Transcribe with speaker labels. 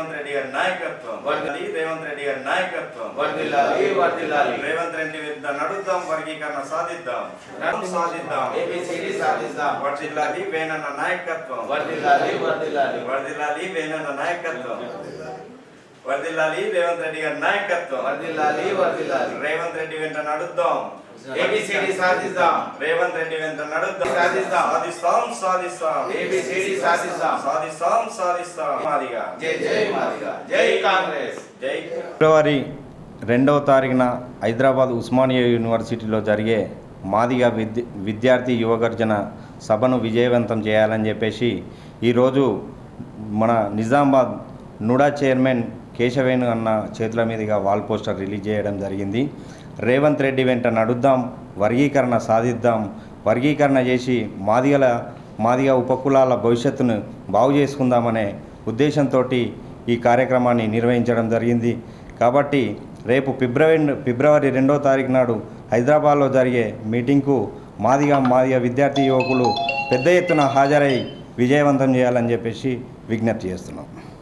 Speaker 1: రేవంత్ రెడ్డి గారి నాయకత్వం, రేవంత్ రెడ్డి గారి నాయకత్వం, రేవంత్ రెడ్డి విరుద్ధ నడుద్దాం, వర్గీకరణ సాధిద్దాం, వర్ధిల్లాలి వేణన్న నాయకత్వం, వర్ధిల్లాలి వేణన్న నాయకత్వం, వర్ధిల్లాలి రేవంత్ రెడ్డి గారి నాయకత్వం, రేవంత్ రెడ్డి వెంట నడుద్దాం,
Speaker 2: ABCD సాధిద్దాం,
Speaker 1: రేవంత్ రెడ్డి వెంట నడుద్దాం, సాధిస్తాం. మాదిగా
Speaker 2: జై కాంగ్రెస్.
Speaker 3: ఫిబ్రవరి 2వ తారీఖున హైదరాబాద్ ఉస్మానియా యూనివర్సిటీలో జరిగే మాదిగా విద్యార్థి యువగర్జన సభను విజయవంతం చేయాలని చెప్పేసి ఈరోజు మన నిజామాబాద్ నుడా చైర్మన్ కేశవేణు అన్న చేతుల మీదుగా వాల్ పోస్టర్ రిలీజ్ చేయడం జరిగింది. రేవంత్ రెడ్డి వెంట నడుద్దాం, వర్గీకరణ సాధిద్దాం, వర్గీకరణ చేసి మాదిగ ఉపకులాల భవిష్యత్తును బాగు చేసుకుందామనే ఉద్దేశంతో ఈ కార్యక్రమాన్ని నిర్వహించడం జరిగింది. కాబట్టి రేపు ఫిబ్రవరి 2వ తారీఖు నాడు హైదరాబాద్లో జరిగే మీటింగ్కు మాదిగ విద్యార్థి యువకులు పెద్ద ఎత్తున హాజరై విజయవంతం చేయాలని చెప్పేసి విజ్ఞప్తి చేస్తున్నాం.